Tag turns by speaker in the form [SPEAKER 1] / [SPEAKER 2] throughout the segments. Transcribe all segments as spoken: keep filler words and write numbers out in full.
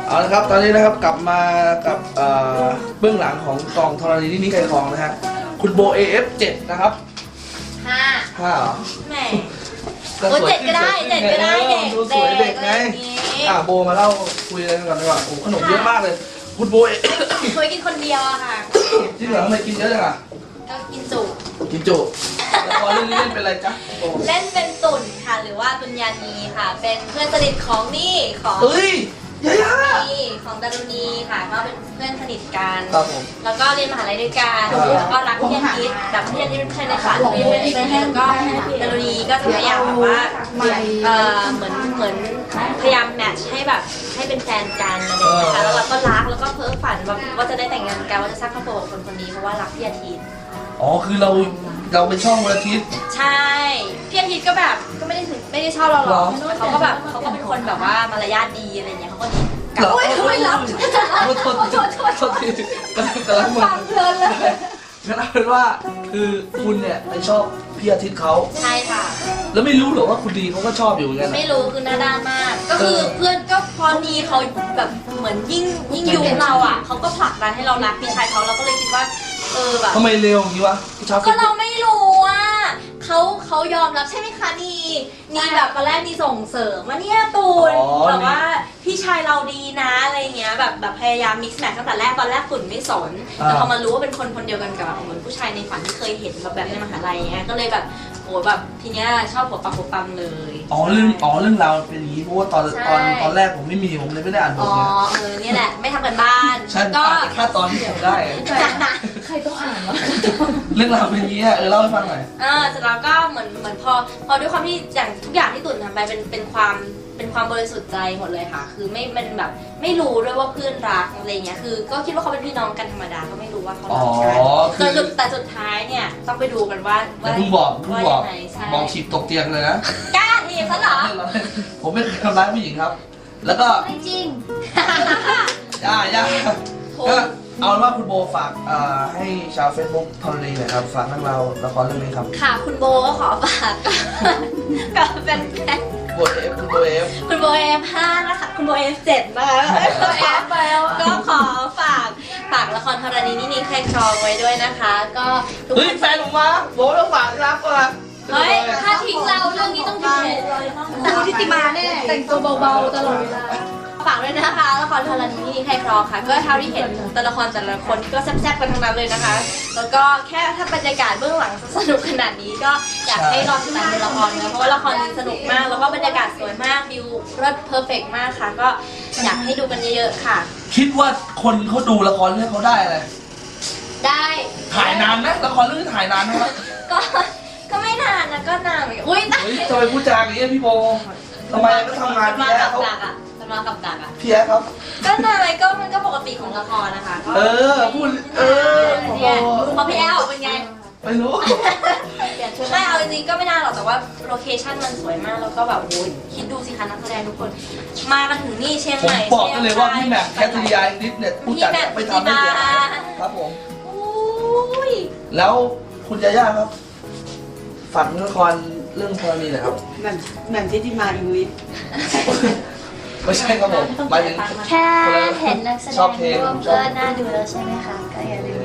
[SPEAKER 1] เอาละครับตอนนี้นะครับกลับมากับเบื้องหลังของกองธรณีนี่นี่ใครครองนะฮะคุณโบ เอ เอฟ เจ็ดนะครับ
[SPEAKER 2] ห้า
[SPEAKER 1] ห้าเหรอ
[SPEAKER 2] แหมโอ้เจ็ดก็ได้เจ็ดก็ได้เด็ก
[SPEAKER 1] ดูสวยเด็กไงอ่ะโบมาเล่าคุยอะไรกันก่อนดีกว่าโอ้ขนมเยอะมากเลยคุณโบ
[SPEAKER 2] เคยกินคนเดียวอะค่ะ
[SPEAKER 1] จริงเหรอทำไมกินเยอะจังอ่ะ
[SPEAKER 2] ก็กินจุ
[SPEAKER 1] กินจุแล้วพอเรื่องนี้เล่นเป็นอะไรจ๊ะ
[SPEAKER 2] เล่นเป็นตุ่นค่ะหรือว่าตุนยานีค่ะเป็นเพื่อนสนิทของนี่ของ
[SPEAKER 1] เฮ้ยยายา
[SPEAKER 2] นี่ของดารุณีค่ะก็เป็นเพื่อนสนิทกัน
[SPEAKER 1] ครับผม
[SPEAKER 2] แล้วก็เรียนมหาลัยด้วยกันแล้วก็รักพี่อาทิตย์แบบพี่อาทิตย์เป็นเพื่อนในฝันพี่เป็นเพื่อนแล้วก็ดารุณีก็จะพยายามแบบว่าเออเหมือนเหมือนพยายามแมทช์ให้แบบให้เป็นแฟนกันอะไรอย่างเงี้ยค่ะแล้วเราก็รักแล้วก็เพ้อฝันว่าว่าจะได้แต่งงานกันว่าจะสร้างครอบครัวกับคนคนนี้เพราะว่ารักพี่อาทิตย์
[SPEAKER 1] อ๋อคือเราเราเป็นช่องวันอาทิตย์
[SPEAKER 2] ใช่พี่อาทิตย์ก็แบบก็ไม่ได้ถึงไม่ได้ชอบเราหรอกเขาก็แบบเขาก็เป็นคนแบบว่ามารยาทดีอะไรเงี้ยเขาก็ดี
[SPEAKER 1] โอ้ยไม่รับโทษโทษโทษโทษทีกำลังมึนเพลินเลยงั้นเอาเป็นว่าคือคุณเนี่ยไปชอบพี่อาทิตย์เขา
[SPEAKER 2] ใช่ค่ะ
[SPEAKER 1] แล้วไม่รู้หรอว่าคุณดีเขาก็ชอบอยู่เหมือนกัน
[SPEAKER 2] ไม่รู้คือหน้าด้านมากก็คือเพื่อนก็พอดีเขาแบบเหมือนยิ่งยิ่งยุเราอ่ะเขาก็ผลักดันให้เรารักพี่ชายเขาเราก็เลยคิดว่าเออแบบ
[SPEAKER 1] ทำไมเร็วอย่างนี้วะ
[SPEAKER 2] ก็เราไม่รู้อ่ะเขาเขายอมรับใช่ไหมคะนีนีแบบตอนแรกนีส่งเสริมว่าเนี่ยตูนแบบว่าพี่ชายเราดีนะอะไรเงี้ยแบบแบบพยายามมิกซ์แมทตั้งแต่แรกตอนแรกฝุ่นไม่สนแต่พอมารู้ว่าเป็นคนคนเดียวกันกับเหมือนผู้ชายในฝันที่เคยเห็นแบบแบบในมหาลัยเงี้ยก็เลยแบบโหแบบทีเนี้ยชอบหัวปักหัวปั๊มเลย
[SPEAKER 1] อ๋อเรื่องอ๋อเรื่องราวเป็นอย่างนี้เพราะว่าตอนตอนตอนแรกผมไม่มีผมเลยไม่ได้อ่านบท
[SPEAKER 2] เนี่ยอ๋อเออเนี่ยแหละไม่ทำกันบ้าน
[SPEAKER 1] ก็แค่ตอนที่ผมได้
[SPEAKER 2] ใครต้องอ่านวะ
[SPEAKER 1] เรื่องราวเป็นอย่างนี้เออเล่าให้ฟังหน่อย
[SPEAKER 2] เออเสร็จแล้วก็เหมือนเหมือนพอพอด้วยความที่อย่างทุกอย่างที่ตุ่นทำไปเป็นเป็นความเป็นความบริสุทธิ์ใจหมดเลยค่ะคือไม่มันแบบไม่รู้ด้วยว่าเพื่อนรักอะไรเงี้ยคือก็คิดว่าเขาเป็นพี่น้องกันธรรมดาก็ไม่รู้ว่าเขารักกันแต่แต่สุดท้ายเนี่ยต้องไปดูกันว่า
[SPEAKER 1] ว่าเพิ่งบอกเพิ่งบอกบอกฉีบตกเตียงเลยนะ
[SPEAKER 2] กล้าทีซะเหรอ
[SPEAKER 1] ผมไม่เคยทำร้ายผู้หญิงครับแล้วก็
[SPEAKER 2] ไม่จริง
[SPEAKER 1] ย่าย่าก็เอาเป็นว่าคุณโบฝากให้ชาวเฟซบุ๊กทอรีหน่อยครับฝากเรื่องเราละครเรื่องนี้ครับ
[SPEAKER 2] ค่ะคุณโบก็ขอฝากกับแฟน
[SPEAKER 1] โบเอฟคุณโบเอฟ
[SPEAKER 2] คุณโบเอฟห้านะคะคุณโบเอฟเจ็ดนะคะคุณโบเอฟไปแล้วก็ขอฝากฝากละครธรณีนี่นี่ใครครองไว้ด้วยนะคะก็
[SPEAKER 1] เฮ้ยแฟนผมมาโบต้องฝากรับก่อน
[SPEAKER 2] เฮ้ยถ้าทิ้งเราเรื่องนี้ต้องทิ้งเลยแต่ทิติมาแน่แต่งตัวเบาๆตลอดเวลาฝากด้วยนะคะละครธรณีนี่ใครครองค่ะก็เท่าที่เห็นตัวละครแต่ละคนก็แซ่บๆกันทั้งนั้นเลยนะคะแล้วก็แค่ถ้าบรรยากาศเบื้องหลังสนุกขนาดนี้ก็อยากให้รอติดตามละครนะเพราะว่าละครนี้สนุกมากแล้วก็บรรยากาศสวยมากวิวรสเพอร์เฟกต์มากค่ะก็อยากให้ดูกันเยอะๆค่ะ
[SPEAKER 1] คิดว่าคนเขาดูละครเรื่องเขาได้อะไร
[SPEAKER 2] ได้
[SPEAKER 1] ถ่ายนานนะละครเรื่องถ่ายนานไหม
[SPEAKER 2] ก็ก็ไม่นานนะก็นานอุ้ย
[SPEAKER 1] ทำไมพูดจาอย่างนี้พี่โบทำไมก็ทำงานพี่แอ๊เขา
[SPEAKER 2] มากับดักอ่ะ
[SPEAKER 1] พี่แอ๊ครับ
[SPEAKER 2] ก็นานก็มันก็ปกติของละครนะคะ
[SPEAKER 1] เออพูดเออ
[SPEAKER 2] เนี่ยพอพี่แอ๊เป็นไง
[SPEAKER 1] ไม่รู้
[SPEAKER 2] ไม่เอาจริงๆก็ไม่นานหรอกแต่ว่าโลเคชั่นมันสวยมากแล้วก็แบบโอ้ยคิดดูสิคะนักแสดงทุกคนมากันถึงนี่เชียงใหม่
[SPEAKER 1] ผมบอกกันเลยว่าพี่แม็กแคทริยานิดเนี่ยผู้จัดไปทำได้เสียครับผมแล้วคุณยาย่าครับฝากละครเรื่องธรณีหน่อยครับ
[SPEAKER 3] แหม่มแหม่มทิติมาอิงลิช
[SPEAKER 1] ไม่ใช่ครับผมหมายถึง
[SPEAKER 2] แค่เห็นนักแสดงร่วมก็น่าดูแล้วใช่ไหมคะก็อย่าลืม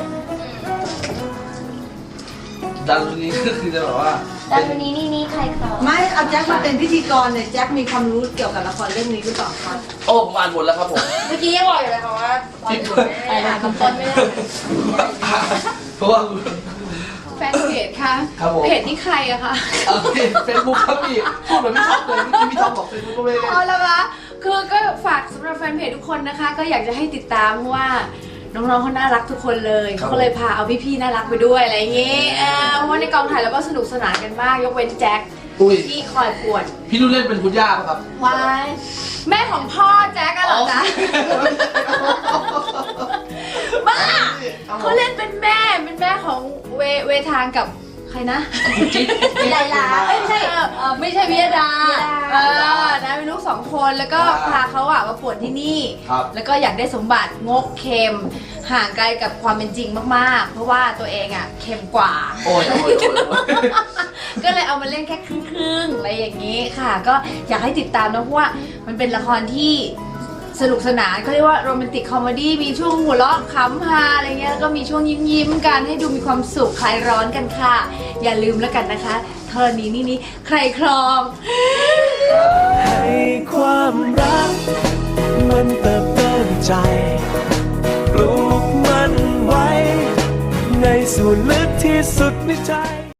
[SPEAKER 1] ดารุณีก็คือจะแบบว่า
[SPEAKER 2] ดารุณีนี่นี่ใครเขา
[SPEAKER 3] ไม่เอาแจ็คมาเป็นพิธีกรเนี่ยแจ็คมีความรู้เกี่ยวกับละครเรื่องนี้หรือเปล่าครับ
[SPEAKER 1] โอ้ผมอ่านหมดแล้วครับผม
[SPEAKER 2] เมื่อกี้ยังบอกอยู่เลยค่ะว่าอ่านคำต้นไม่ได้
[SPEAKER 1] เพราะว่า
[SPEAKER 4] แฟนเพจค่ะเพจนี่ใครอะคะ
[SPEAKER 1] เฟซบุ๊กครับพี่พูดเหมือนพี่ท็อปเลยเมื่อกี้พี่ท็อปบอกเฟซบุ๊กก็ไม่ได้
[SPEAKER 4] อ๋อแล้วคะคือก็ฝากสำหรับแฟนเพจทุกคนนะคะก็อยากจะให้ติดตามเพราะว่าน้องๆเขาน่ารักทุกคนเลยเขาก็เลยพาเอาพี่ๆน่ารักไปด้วยอะไรอย่างงี้เพราะว่าในกองถ่ายเราก็สนุกสนานกันมากยกเว้นแจ็คที่คอยปวด
[SPEAKER 1] พี่นุ่นเล่นเป็นคุณย่าครับ
[SPEAKER 4] วายแม่ของพ่อแจ็คอะเหรอจ๊ะบ้าเขาเล่นเป็นแม่เป็นแม่ของเวเวทางกับใครนะ
[SPEAKER 2] วิไลลา
[SPEAKER 4] ไม่ใช่ไม่ใช่วิยดาเออนะเป็นลูกสองคนแล้วก็พาเขาอะมาปวดที่นี่แล้วก็อยากได้สมบัติงกเค็มห่างไกลกับความเป็นจริงมากๆเพราะว่าตัวเองอะเค็มกว่า
[SPEAKER 1] โอ้ยโอ้ย
[SPEAKER 4] ก็เลยเอามาเล่นแค่ครึ่งๆอะไรอย่างนี้ค่ะก็อยากให้ติดตามนะเพราะว่ามันเป็นละครที่สสนุกสนานเขาเรียกว่าโรแมนติกคอมเมดี้มีช่วงหัวเราะขำฮาอะไรเงี้ยแล้วก็มีช่วงยิ้มยิ้มๆกันให้ดูมีความสุขคลายร้อนกันค่ะอย่าลืมแล้วกันนะคะธรณีนี่นี่ใครครอง
[SPEAKER 5] ให้ความรักมันเติบโตใจปลูกมันไว้ในส่วนลึกที่สุดในใจ